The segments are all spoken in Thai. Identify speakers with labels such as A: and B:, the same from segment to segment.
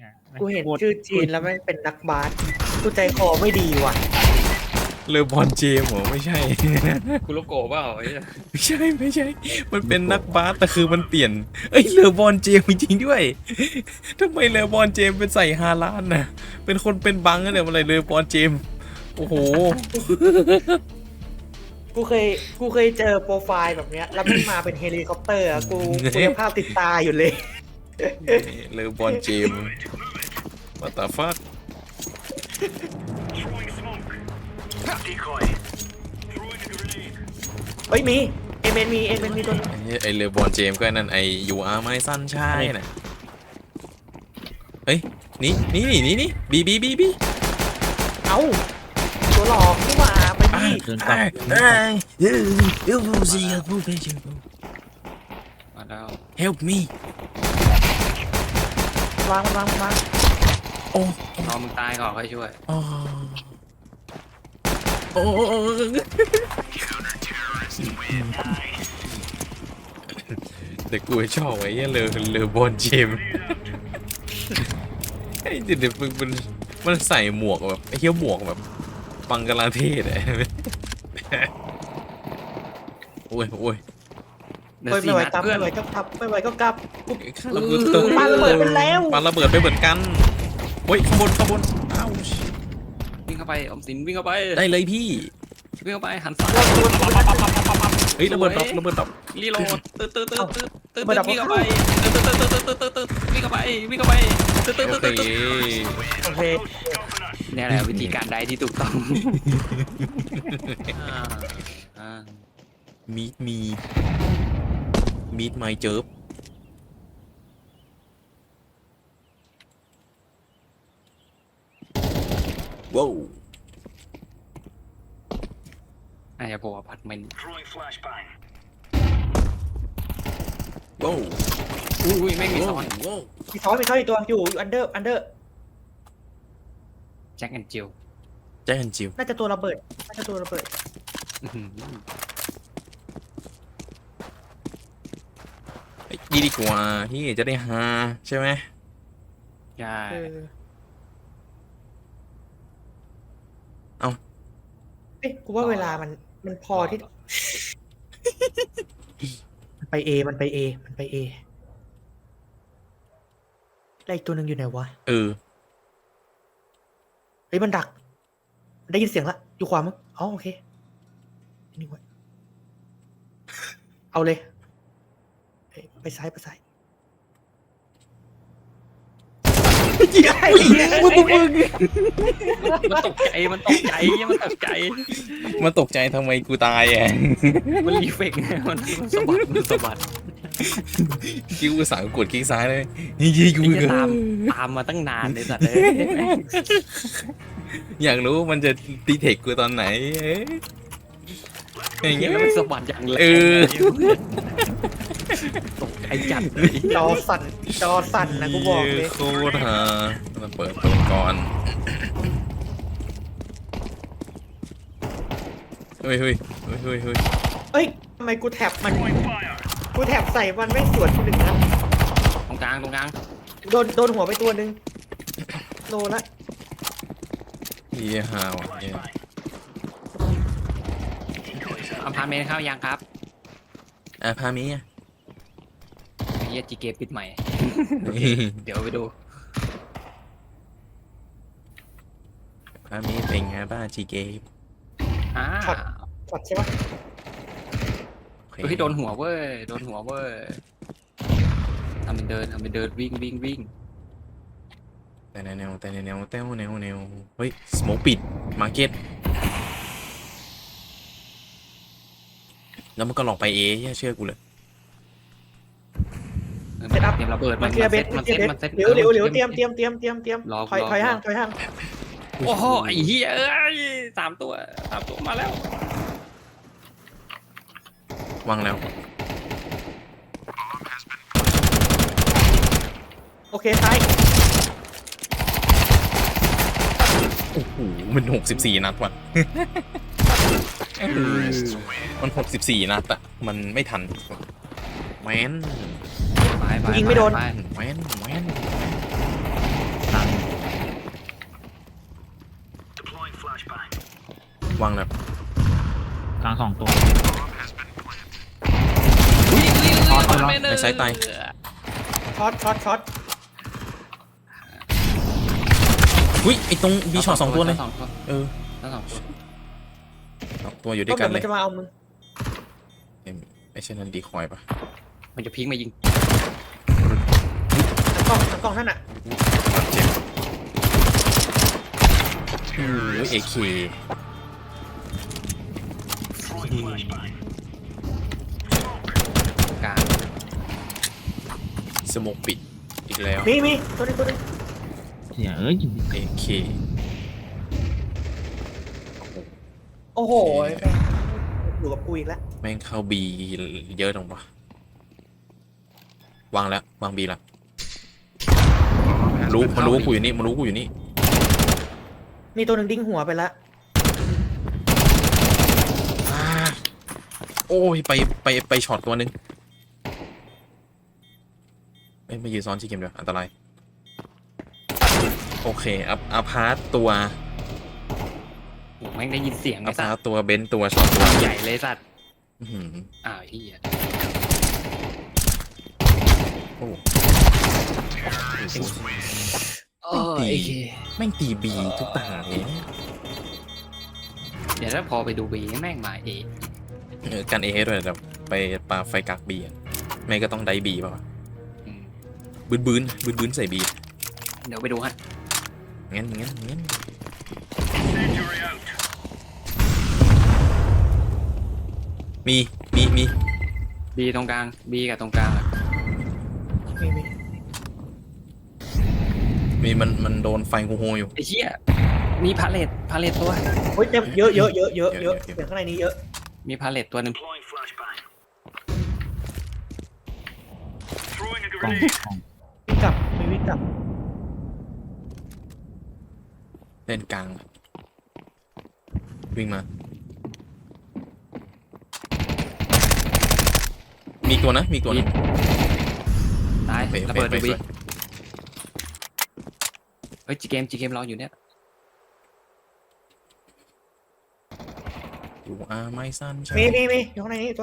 A: กูเห็นชื่อจีนแล้วแม่งเป็นนักบาสกูใจคอไม่ดีว่ะ
B: เลอบอนเจมส์เหรอไม่ใช่
C: คุโรโกะเปล่าไอ้เหี้ย
B: ไม่ใช่ มันเป็นนักบาสแต่คือมันเปลี่ยน เอ้ยเลอบอนเจมส์จริงๆด้วยทำไมเลอบอนเจมส์เป็นใส่ฮาลานน่ะเป็นคนเป็นบังกันเนี่ยอะไรเลอบอนเจมส์โอ้โห
A: กูเคยเจอโปรไฟล์แบบเนี้ยแล้วมันมาเป็นเฮลิคอปเตอร์อะกูยังภาพติดตาอยู่เลย
B: เลอบอนเจมส์ what the fuck
D: Decoy. Throwing a grenade.
A: เฮ้ยมีเอเมนมีตัวนึง
B: ไอเลอบอนเจมส์ก็นั่นไอยูอาร์ไมซันใช่น่ะเฮ้ยนี่บี
A: เอ้าตัวหลอกนี่หว่าไปดิ
C: เดินกลับ มาแล้ว
B: help me
A: วาง
B: โอ้
C: รอมึงตายก่อนค่อยช่วย
B: โอ้แต่กูชอบไอ้เลอบอนเจมส์ไอ้เด็กมันใส่หมวกแบบไอ้เหี้ยหมวกแบบบังกลาเทศอะโอ้ย
C: เดี๋ยว
A: เฮ้ย
C: สี่
A: ไม่ไหว
C: นัด
A: กลับ
C: เพื่อน
A: ไม่ไหวก็กลับไม่ไหวก็กลับ
B: ข้าระเบิด
A: ปาระเบิดไปแล้ว
B: ปาระเบิดไปเหมือนกันเฮ้ยข้างบนอ้าว
C: วิ่งเข้าไปออมสินวิ่งเข้าไป
B: ได้เลยพี่
C: วิ่งเข้าไปหันซ้าย
B: เฮ้ยระเบิดดับ
C: รีโหลดตืดวิ่งเข้าไปตืดวิ่งเข้าไปตืด
B: โอเค
A: โอเค
C: เนี่ยแหละวิธีการใดที่ถูกต้องอ่า
B: มีดไมเจิบว้าว
C: อาจจะบอกว่าพัดเมน
D: Throwing flashbang.
B: ว้าว
C: อุ้ยไม่มีซ้อน
B: ว้าว
A: มีซ้อนอีกตัวอยู่อันเดอร์
C: แจ็คแอนด์จิล
B: แจ้งจิว
A: น่าจะตัวระเบิด
B: ดีกว่าที่จะได้ฮาใช่ไหม
C: ใช่
A: เอ๊ะกูว่าเวลามันพอที่มันไปเอแล้วอีกตัวหนึ่งอยู่ไหนวะ
B: เออ
A: เฮ้ยมันดัก ได้ยินเสียงละอยู่ขวามั้งอ๋อโอเคนี่ไว้เอาเลยเอ้ยไปซ้าย
B: มึง
C: มันตกใจมันตกใจ
B: ทำไมกูตายอ่ะ
C: มันรีเฟกไงมันสะบัด
B: คิวสาวกดคลิกซ้ายเลยยิงกู
C: ไอ้เหี้ยตามมาตั้งนานเลยสัตว์เลย
B: อยากรู้มันจะดีเทคกูตอนไหนอย่าง
C: เหี้
B: เงี้
C: ย
B: ย
C: มันสะบัดอย่างแรง
B: เออ
C: ตกใจจัดเลย
A: จอสั่นนะกูบอกเลย
B: โคตรฮามาเปิดตัวก่อนเฮ้ย
A: เอ้ยทำไมกูแท็บใส่มันไม่สวนกูหนึ่งนะ
C: ตรงกลาง
A: โดนหัวไปตัวหนึ่งโลละ
B: เฮียฮาวอ่ะเฮีย
C: อพาร์ตเมนต์เข้ายังครับ
B: พามีอ่ะ
C: ไอ้เหี้ยจีเกปิดใหม่ เดี๋ยวไปดู
B: พามีเป็นไงบ้างจีเกม
A: ช็อตใช่ปะ
B: โอเค
C: เฮ้ยโดนหัวเว้ยทำเป็นเดินวิ่ง
B: แต่แนวเฮ้ยสโมกปิดมาร์เก็ตแล้วมันก็หลอกไปเอย่าเชื่อกูเลย
A: เซตอัพ
C: เตรียมระเบิด
A: มันเคลียร์เบส
C: มันเซ็ต
A: เร็วเตรียมถอยห่าง
C: โอ้โหไอ้เหี้ยเอ้ยสามตัวมาแล้ว
B: วางแล้ว
A: โอเคซ้าย
B: โอ้โหมัน64 นัดว่ะมัน64 นัดอะมันไม่ทันแมน
C: ไป
A: ยิงไม่โดน
C: ไป
B: แมนวางแล้ว
E: กลาง2 ตัว
B: ในซ้ายตาย
A: ช็อต
B: อุ้ยไอตรงบีช็อต2 ตัวเลย
C: สองตัว
B: เออ
C: ทั้งสองตัว
B: 2 ตัวอยู่ด้
A: ก็
B: วยกั
A: เดี๋
B: น
A: ยว
B: เล
A: มัน
B: ย
A: จะมาเอามึง
B: ไอเช่นนั้นดีคอยปะ
C: มันจะพลิกมายิง
A: ทั้งกล้องนั่นน่ะ
B: เจ็บโอ้ยเอเค
D: Throwing flashbang.
C: กลาง
B: สโมกปิดอีกแล้ว
A: มีตัวนึง
E: เสียเอ้ย
B: เอเค
A: โอ้โหอยู่กับกูอีกแล้ว
B: แม่งเข้าบีเยอะจังวะวางแล้ววางบีละมันรู้ว่ากูอยู่นี่มันรู้กูอยู่นี่
A: มีตัวหนึ่งดิ้งหัวไปละ
B: โอ้ยไปช็อตตัวหนึงไม่ยืนซ้อนชิคเกมเดียวอันตรายโอเคอัพพาร์ตตัว
C: โอ้แม่งได้ยินเสียง
B: อั
C: ไอ้
B: พ
C: สั
B: พา
C: ต
B: ร์ต
C: ว์
B: ตัวเบนซ์ตัวช็อตตัว
C: ใหญ่เลยสัตว์
B: อื้อหือ
C: อ้าวเฮีย
B: โอ้
C: โอ้ย
B: แม่งตีบีทุกตาเลย
C: เดี๋ยวถ้าพอไปดูบีแม่งมาเอ
B: กันเอด้วยแต่ไปปาไฟกักบีอะไม่ก็ต้องได้บีป่ะ
C: อืม
B: บืนใส่บี
C: เดี๋ยวไปดูฮะ
B: งั้น
D: Incendiary out.
B: มี
C: บีตรงกลางบีกับตรงกลางอะ
A: มี
B: มันโดนไฟโฮอยู่
C: ไอ้เหี้ยมีพาเลตตัว
A: เฮ้ยเยอะเสียงข้างในนี้เยอะ
C: มีพาเลตตัวหนึ่ง
D: Deploying flashbang. Throwing a
E: กล่อง
D: grenade.
A: วิ่งกลับ
B: เล่นกลางวิ่งมา มีตัวนะ
C: ตาย
B: โอเค
C: ระเบิด
B: โอ
C: ดู
B: เค
C: บี
B: สวย
C: เฮ้ยจีเกมรออยู่เนี่ย
B: อยู่ไม่สั้นใช่
A: มีอยู่ข้างในนี้ตัว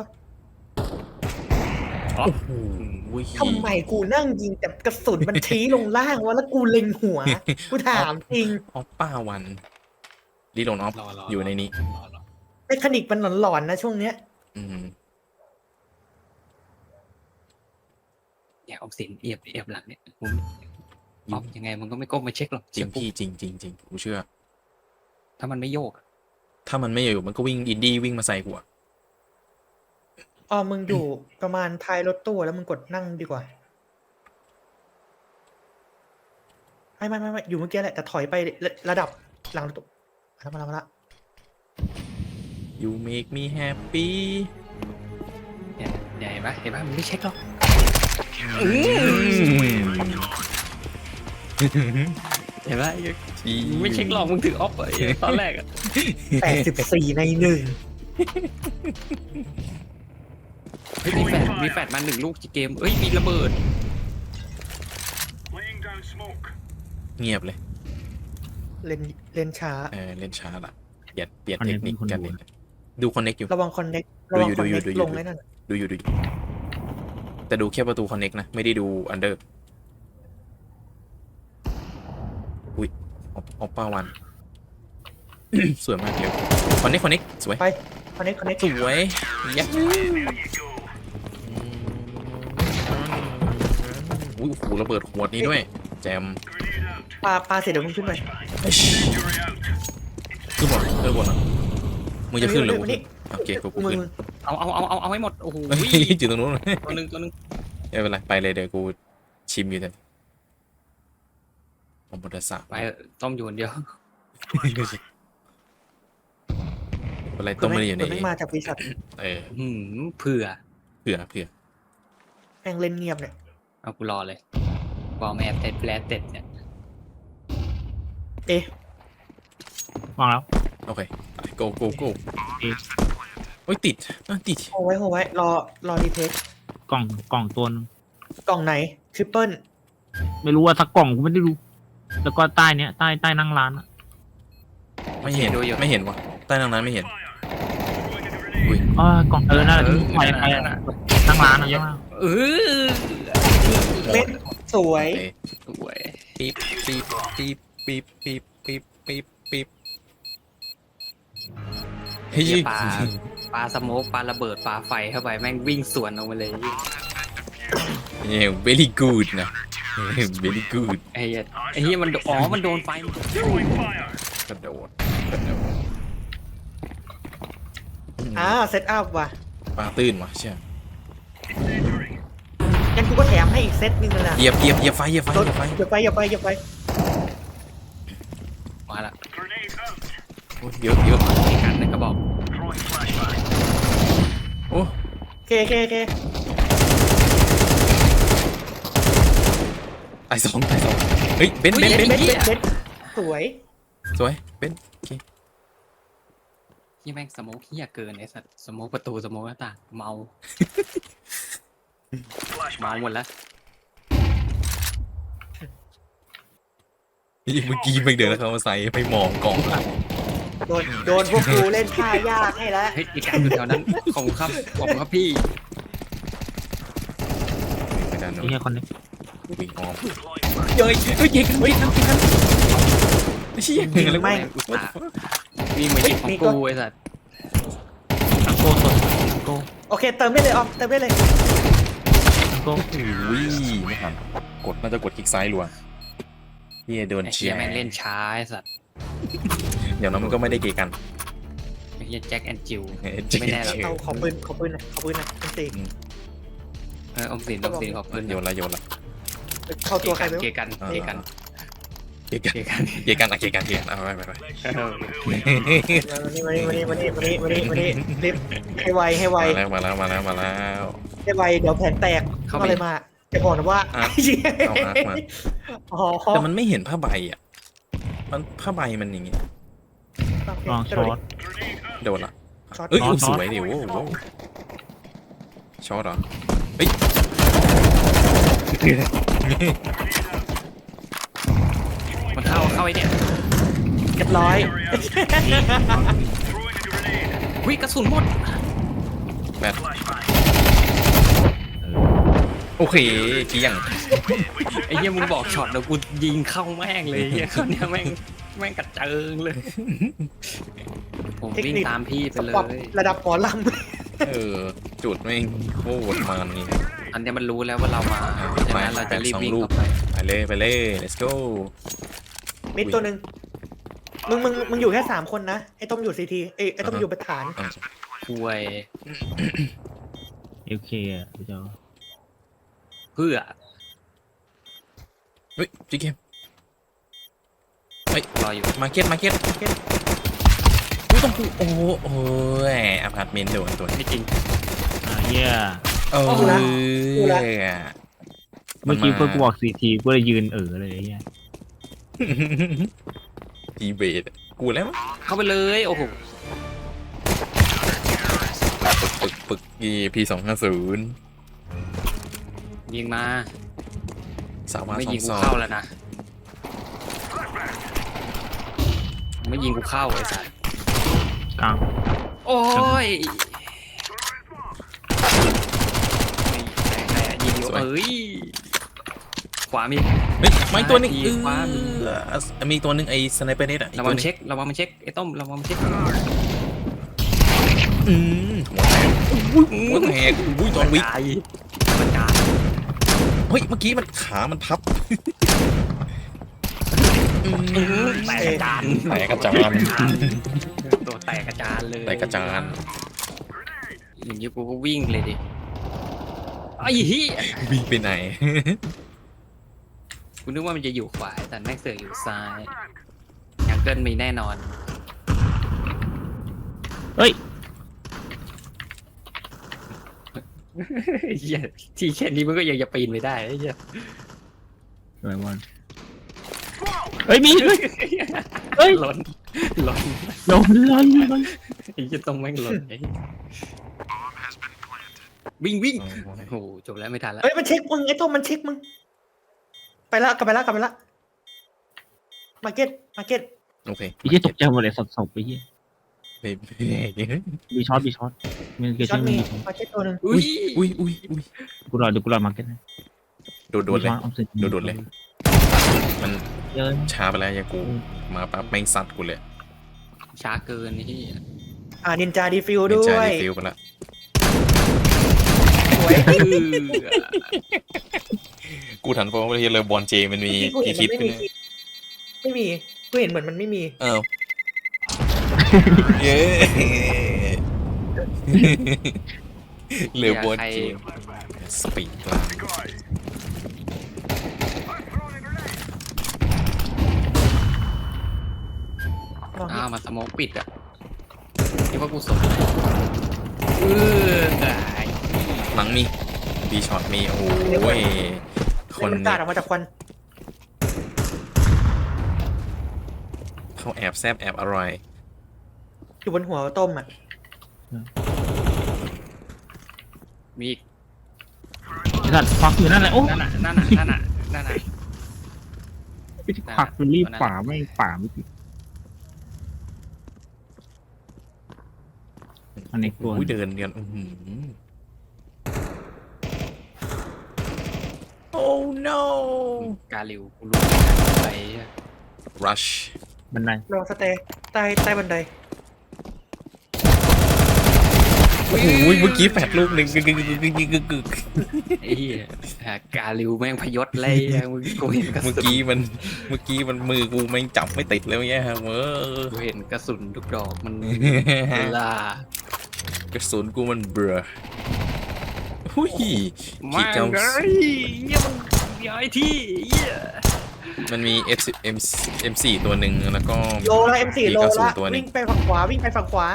B: โอ้โห
A: ทำไมกูนั่งยิงแต่กระสุนมันชี้ลงล่างวะแล้วกูเล็งหัว กูถามจริง
B: ออฟป้าวันรีโหลดออฟอยู่ในนี้
A: เมคานิกมันหลอนๆนะช่วงเนี้ย
B: อืม
C: อย่าออกเสียงเอียบหลังเนี่ยผมออกยังไงมันก็ไม่ก้มมาเช็คหรอก
B: จริง
C: เชื่อ
B: พี่จริงกูเชื่อ
C: ถ้ามันไม่โยกอะ
B: ถ้ามันไม่อยู่มันก็วิ่งอินดี้วิ่งมาใส่กูอะ
A: มึงอยู่ประมาณท้ายรถตู้แล้วมึงกดนั่งดีกว่าไม่อยู่เมื่อกี้แหละแต่ถอยไประดับหลังรถตู้มาละ
B: ยูเมกมีแฮปปี้
C: เนี่ยเห็นปะมันไม่เช็คหรอกเห็นปะไม่เช็คหรอกมึงถือออฟไปตอนแรกอะ
A: 84 ใน
C: เฮ้ยมีแฟดมา1 ลูกจีเกมเอ้ยมีระเบิด
D: Laying down smoke.
B: เงียบเลย
A: 1เลนช้า
B: เล่นช้าละเปลี่ยนเทคนิคกันเลยดูคอนเน็กอยู่
A: ระวังคอนเน็ก
B: ดูอยู่
A: ลงเลยนั่น
B: ดูอยู่แต่ดูแค่ประตูคอนเน็กนะไม่ได้ดูอันเดอร์อุ้ยออฟป้าวัน สวยมากเร็วคอนเน็กสวย
A: ไปคอนเน็ก
B: สวยยัก
D: There you go.
B: อุ้ยโอ้โหระเบิดขวดนี้ด้วย แจม
D: Grenade out.
A: ปาเสร็จเดี๋ยวมึงขึ้นไป
D: Incendiary out.
B: ขึ้นบนบนอ่ะมึงจะขึ้นหรือ
A: มานี่
B: โอเคกู
A: มึง
B: ขึ้น
C: เอาให้หมดโอ้โห
B: จุดตรงนู้น
C: ตัวหนึ่ง
B: ไม่เป็นไรไปเลยเดี๋ยวกูชิมอยู่แต่ผมบดสา
C: ไปต้มอยู่คนเดียว
B: อะไรต้มไม่ได้อยู่ใน
A: ไม่มาจากบริษัท
C: เผื่อ
B: เผื่อ
A: แม่งเล่นเงียบเนี่ย
C: เอากูรอเลยบอมแอบเต็ดแฟลตเต็ดเนี่ย
A: เอ๊ะ
E: วางแล้ว
B: โอเคโกโอ้ยติด
A: โหไว้รอดีเทค
E: กล่องตัวนึง
A: กล่องไหนทริปเปิล
E: ไม่รู้ว่าสักกล่องกูไม่ได้ดูแล้วก็ใต้เนี้ยใต้นั่งร้านอะ
B: ไม่เห็นว่ะใต้ทางนั้นไม่เห็นอุ้ย
E: กล่องนั่นแหละที่ไปนั่งร้านนะยัง
C: เออ
A: เม็ดสวย
B: โอเค
C: สวย
B: ปี๊บปี๊บปี๊บปี๊บปี๊บปี๊บปี๊บปี๊บเฮ้ย
C: เหี้ยปลาสโมกปลาระเบิดปลาไฟเข้าไปแม่งวิ่งสวนออกมาเลย
B: เนี่ย very good นะ very good
C: ไอ้เหี้ยไอ้เหี้ยมันอ๋อมันโดนไฟ
D: Throwing fire.
B: กระโดดกระโดด
A: เซตอัพว่ะ
B: ปลาตื้นว่ะเชี่ย
D: Incendiary.
A: งั้นกูก็แถมให้อีกเซตหนึงเลยนะ
B: เหยียบไฟเหยียบไฟ
A: รถ
B: เหยียบไฟ
A: อย่าไป
C: มาละ
D: Grenade out.
B: โอ้ยเยอะเยอะ
C: ไอ้กันนั่นก็บอก
D: Throwing flashbang.
B: โอ้
A: เค
B: ตายสองเฮ้ยเบน
C: เฮ้ย
A: เบ็ดสวย
B: สวยเบน
C: ที่แม่งสโมกเหี้ยเกินไอ้สัตว์สโมกประตูสโมกหน้าต่างเมาเมาหมดแล้ว
B: เมื่อกี้ไม่เดินแล้วเขามาใส่ไม่มองกล่อง
A: โดนพวกกูเล่นท่ายากให้แล้ว
C: เฮ้ยไอ้กันอยู่แถวนั้นขอบคุณครับพี่
B: ไปด้านโน้น
E: นี่คนนี้
B: วิ่งอ้อม
D: Deploying flash.
B: เฮ้ยยิงกันเชี่ย
A: ยิงไม่
C: อุตส่าห์วิ่งมาหยิบของกูไอ้สัตว์
E: ทังโก้สดทังโก้
A: โอเคเติมได้เลยออมเติมได้เลย
E: ทังโก้
B: อุ้ยไม่ทันกดน่าจะกดคลิกซ้ายรัวเฮียโดน
C: ไอ้
B: เชี
C: เหี้
B: ย
C: ย
B: ร์
C: แม่งเล่นช้าไอ้สัตว์
B: เดี๋ยวนั้นมันก็ไม่ได้เกยกัน
C: ไอ้เหี้ยแจ็คแอนจิว
B: จริง
C: ไม่แน่หรอก
A: เอาขอปืนหน่อยเป็นสี่
C: ออมสินขอบคุณ
B: โยนละ
A: เข้าตัวใครไม่รู้
C: เกกันเกกัน
B: เกยกัน
C: เกกัน
B: เกยกันอะเกยกันเอาไป
A: มานี่รีบให้ไว
B: มาแล้ว
A: ให้ไวเดี๋ยวแผนแตกก็เลยมาจะบอกนะว่า
B: เอาอาร์คมา
A: อ๋อ
B: แต่มันไม่เห็นผ้าใบอ่ะมันผ้าใบมันอย่างงี้
E: ลองช็อต
D: Grenade out.
B: โดนละเอ้ย
E: ช็อต
B: สวยดิโว้ช็อตเหรอเฮ้ย
C: มันเข้าไอ้เนี่ย
A: เรียบร้อย
D: Throwing a grenade.
C: วิกระสุนหมด
B: แบต
D: Flashbang.
B: โอเคเกี่ยง
C: ไอ้เหี้ยมึงบอกช็อตแล้วกูยิงเข้าแม่งเลยไอ้เหี้ยเขาเนี่ยแม่งกระเจิงเลย ผมวิ่งตามพี่ไปเล
A: ปรับ
C: ย
A: ระดับหมอล
B: จุดไม่งโคตรมันนี่
C: อันเนี้ยมันรู้แล้วว่าเรามาใช่ไหมเราจะรีบวิ่งเข้าไป
B: ไปเลย let's go
A: ำมิดตัวหนึ่งมึงอยู่แค่3 คนนะไอ้ต้มอยู่ซีทีไอ้ต้มอยู่ประธาน
C: คุย
E: เอลเคอ่ะพี่เจ้า
C: เพื่อ
B: เฮ้ยจีเกม
C: รออยู่
B: มาร์เก็ตอุ้ยต้องกูโอ้ยอพาร์ตเมนต์โดนตัว
C: ไม่จริง
E: เฮีย
B: เออ
E: เมื่อกี้เพื่อนกูบอกซีทีกูเลยยืนเลยเฮีย
B: ดีเบตกูแล้วมั้ง
C: เข้าไปเลยโอ้โห
B: ปึกEP250
C: ยิงมา
B: สาวมา
C: ไม่
B: สอ
C: ยิง
B: ง
C: กู
B: สอง
C: เข้าแล้วนะไม่ยิงกูเข้าไอ้สัส
E: กลาง
C: โอ้ยยิงอยู่เอ้ยขวามี
B: เฮ้ยไม่ตัวหนึง
C: ขวามี
B: มีตัวหนึงไอ้สไนเปอร์เน็ตอ่ะ
C: ระวังมันเช็คไอ้ต้มระวังมันเช็ค
B: หัวแตกอุ้ยจอห์นวิก
C: มันกาย
B: เฮ้ยเมื่อกี้มันขามันพับ
C: แตกกระจาน
B: แตกกระจาน
C: ตัวแตกกระจานเลย
B: แตกกระจาน
C: อย่างนี้กูก็วิ่งเลยดิไอ้เหี้ย
B: วิ่งไปไหน
C: กูนึกว่ามันจะอยู่ขวาแต่แม่งเสือกอยู่ซ้ายยังเกินมีแน่นอน
E: เฮ้ย
C: เหี้ยที่แค่นี้มันก็ยังจะปีนไม่ได้ไอ้เหี้ย
E: อะไรวะเฮ้ยมีเฮ้ย
C: หล่น
E: ลง
C: ไอ้เหี้ยต้องแม่งหล่นไอ้เหี้ยวิ่งโอ้โหจบแล้วไม่ทันแล้ว
A: เฮ้ยมันเช็คมึงไอ้ต้มมันเช็คมึงไปละกลับไปละมาร์เก็ต
B: โอเค
E: ไอ้เหี้ยตกใจหมดเลยศพไปเหี้ย
B: โอเค
E: บีช็อตมันเกิด
A: ช็อ
E: ชื่
A: ต
E: อ
A: มี
E: บีช็อต
A: มาเก็ตตัวหนึ่ง
C: อุ้ย
B: อุ้ยเ
E: ดี๋ยวกูรอมาร์เก็ตนะ
B: โดนเลย โดนเลย มัน
E: เยอะ
B: ช้าไปแล้วยากูมาปั๊บแม่งซัดกูเลย
C: ช้าเกินนี่
A: นินจาดีฟิวด้
B: ใจ
A: วย
B: ดีฟิลไปละ
A: สวย
B: กูถันเพราะว่าเลยบอลเจมันมี
A: กูเห็
B: กี่
A: น
B: คลิป
A: มันไม่มีกูเห็นเหมือนมันไม่มี
B: อ้าวเย้เหลือบอลเจสปีดกลาง
C: อ้าวมาสโมกปิดอ่ะคิดว่ากูสนตาย
B: หลังมีบีช็อตมีโอ้ยคน
A: มันกาดออกมาจากควัน
B: เขาแอบแซบแอบอร่อย
A: อยู่บนหัวต้มอ่ะ
C: มีอีก
E: สัตว์ฟักอยู่นั่นแหละโอ้
C: นั่นน่ะ
E: ผักมันรีบป่าไม่ป่าไม่ติดอันนี้ตัว
B: อุ้ยเดินกันโอ้ no
C: กาลิวกูรู้ไป
B: rush
E: บันได
A: ลองสเตย์ใต้บันได
B: โอ้โหเมื่อกี้แปดลูกหนึ่งกึก
C: ไอ้เหี้ยกาลิวแม่งพยศเลยมึงกูเห็นกระ
B: เมื่อ
C: สุน
B: กี้มันมือกูแม่งจับไม่ติดแล้วเนี่ยฮะเว้ย
C: กูเห็นกระสุนทุกดอกมันลาก
B: ระสุนกูมันเบลอหุ้ย
C: มา
B: ขีดเก้า
C: เลยเหี้ยมันย้ายที่เหี้ย
B: มันมี M4 ตัวหนึ่งแล้วก็
A: โลละ M4 โลละ
B: ตัวหนึ่
A: วิ่
B: ง
A: งไปฝั่งขวาวิ่งไปฝั่งขวา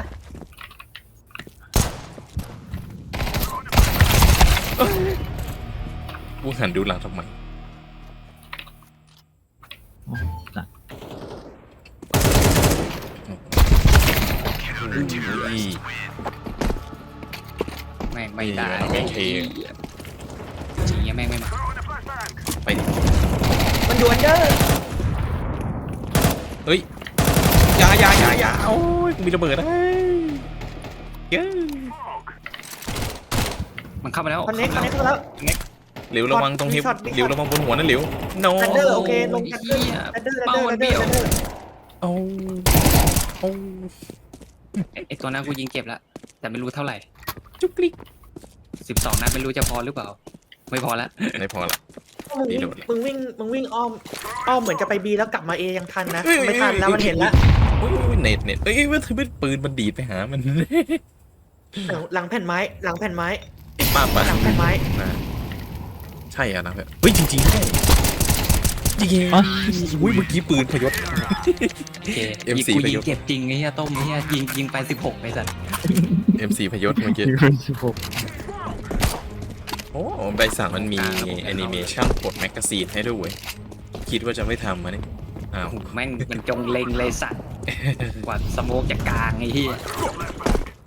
B: กูหันดูหลังทำไม
E: สัตว์
B: อุ้ย
C: แม่งไม่ได้
B: ไม่เท
C: จริงๆแม่งไม่มา
B: ไปดิ
A: มันอยู่อันเดอร์
B: เฮ้ยอยาโอ้ยมีระเบิดนะเย้ย
C: มันเข้ามาแล้ว
A: คอนเน็กเข้าแล้ว
B: เหลวระวังตรงเฮฟเหลวระวังบนหัวนั่นเหลว no
A: อันเดอร์โอเคลง
C: ไอ้เหี้ย
A: อันเดอร์
C: เป้ามันเบี้ยว
B: โอ้โอ้
C: ไอ้ตัวนั้นกูยิงเจ็บแล้วแต่ไม่รู้เท่าไหร่
B: จุกลิก
C: 12 นัดไม่รู้จะพอหรือเปล่า ไม่พอละ
B: ไม่พอละ
A: มึงวิ่งอ้อมเหมือนจะไปบีแล้วกลับมาเอยังทันนะไม่ทันแล้วมันเห็นแล้ว
B: โอ้ยเน็ตเอ้ยว่าถือเป็นปืนมันดีดไปหามัน
A: หลังแผ่นไม้
B: ป้า
A: หลังแผ่นไม้
B: ใช่อะนะเพื่อนเฮ้ยจริงๆด้วยจริงๆอุ้ยเมื่อกี้ปืนพยศ
C: โอเค
B: M4
C: กู
B: ไป
C: ยิ
B: ย
C: ง
B: ก
C: เจ็บจริงไอ้เหี้ยต้มไอ้เหี้ยยิงไป16ไอ้สัตว์
B: M4 พยศเมื่อกี้
E: 16
B: โอ้ใบสั่งมันมีแอนิเมชันกดแมกกาซีนให้ด้วยเว้ยคิดว่าจะไม่ทำมาเนี่ยอ้าว
C: แม่งมันจงเล็งเลยสัตว์กว่าสโมกจะกลางไอ้เหี้ย
B: ไป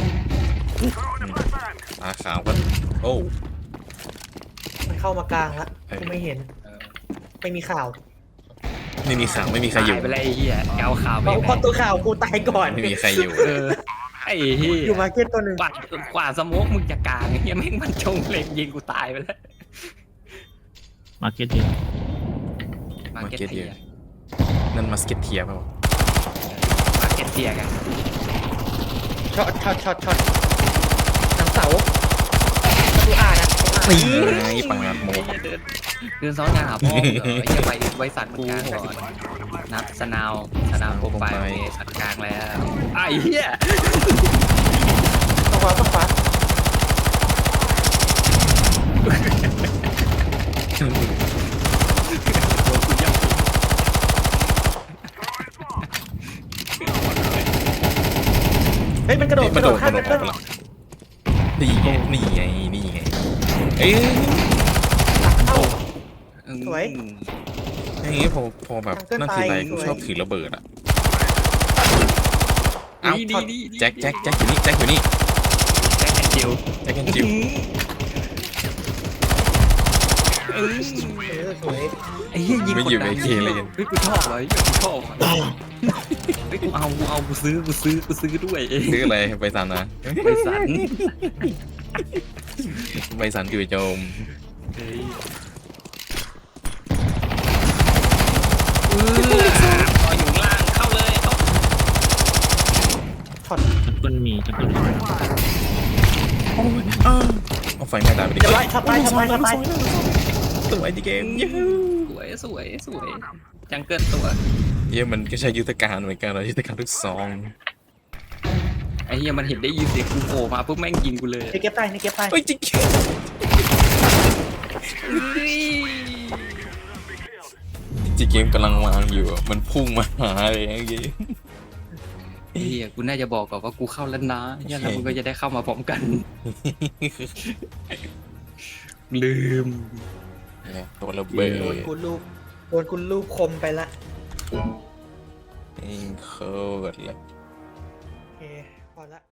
B: ตาขาวกันโอ้
A: มันเข้ามากลางแล้วกูไม่เห็น ไม่มีข่าว
B: ไม่มีข่าวไม่มีใครอยู่
C: ตายไปเลยไอ้เหี้ยเอาข่าวไป
A: เพราะตัวข่าวกูตายก่อน
B: ไม่มีใครอยู่
C: ไอ้เหี้ย
A: อยู่มาร์เก็ตตัวหนึ่ง
C: กว่าสโมกมึงจะกลางไอ้เหี้ยแม่งมันจงเล็งยิงกูตายไปแล้ว
E: มาร์เก็ตเดียว
C: มาเก็ตเทีย
B: นั่นมาสเก็ตเทียเปล่า
C: มาเก็ตเทียกัน
A: ช็อตหนังเสาดูอ่านนะ
B: นี่ไงปาดโม
C: เดินซ้อนยาหาพ่อเหรอไอ้เหี้ยไว้สัตว์กูก่อนนับสนาวโปรไฟล์สัตว์กลางแล้วไอ้เหี้ย
A: ต้องขวา เฮ้ยมันกระโดด
B: มาโดด
A: ข้าม
B: อ
A: แบ
B: อก
A: ตเตอร์
B: ไปละนี่ไงเอ้ย
A: สวย
B: อย่างงี้พอแบบนั่นทีไรกูชอบถือระเบิดอ่ะเอ้า
C: ดี
B: แจ็คอยู่นี่แจ็คอยู่นี่
C: แจ็คแอนด์จิล
B: แจ็คกันจิว
A: เออสวย
C: ไอ้เหี้ยยิง
B: ไม่
C: กด
B: อยู่
C: ดั
B: ใน
C: น
B: เคเลยกัน
C: เฮ้ยกูชอบเลยกูชอบอะเฮ้ยกูเอากูซื้อด้วย
B: ซื้ออะไรไปสันนะ
C: ไปสัน
B: ไปสันจู่โจม
C: เฮ้ยต่ออยู่ล่างเข้าเลยเข้า
A: ช็อต
E: จังเกิลมีจังเกิลมี
B: เอาไฟไม่ตายไปดิ
A: จะไล่ช็อตตายช็อตตายช็อตตาย
B: สวยจีเกมเย้
C: สวยจังเกิลตัว
B: เย้มันก็ใช้ยุทธการเหมือนกันเรายุทธการทุกซอง
C: ไอ้เหี้ยมันเห็นได้ยินเสียงกูโผล่มาปุ๊บแม่งยิงกูเลย
A: นี่เก็บไปนี่เก็บไป
B: เฮ้ยจีเกมจีเกมกำลังวางอยู่อะมันพุ่งมาหาเลยเมื่อกี้
C: ไอ้เหี้ยกูน่าจะบอกก่อนว่ากูเข้าแล้วนะเหี้ยแล้วมึงก็จะได้เข้ามาพร้อมกัน ลืม
B: เนี่ยตัวระเบิ
A: โดน
B: ด
A: กูลูบคมไปละ
B: โคตรเลย
A: โอเคพอละ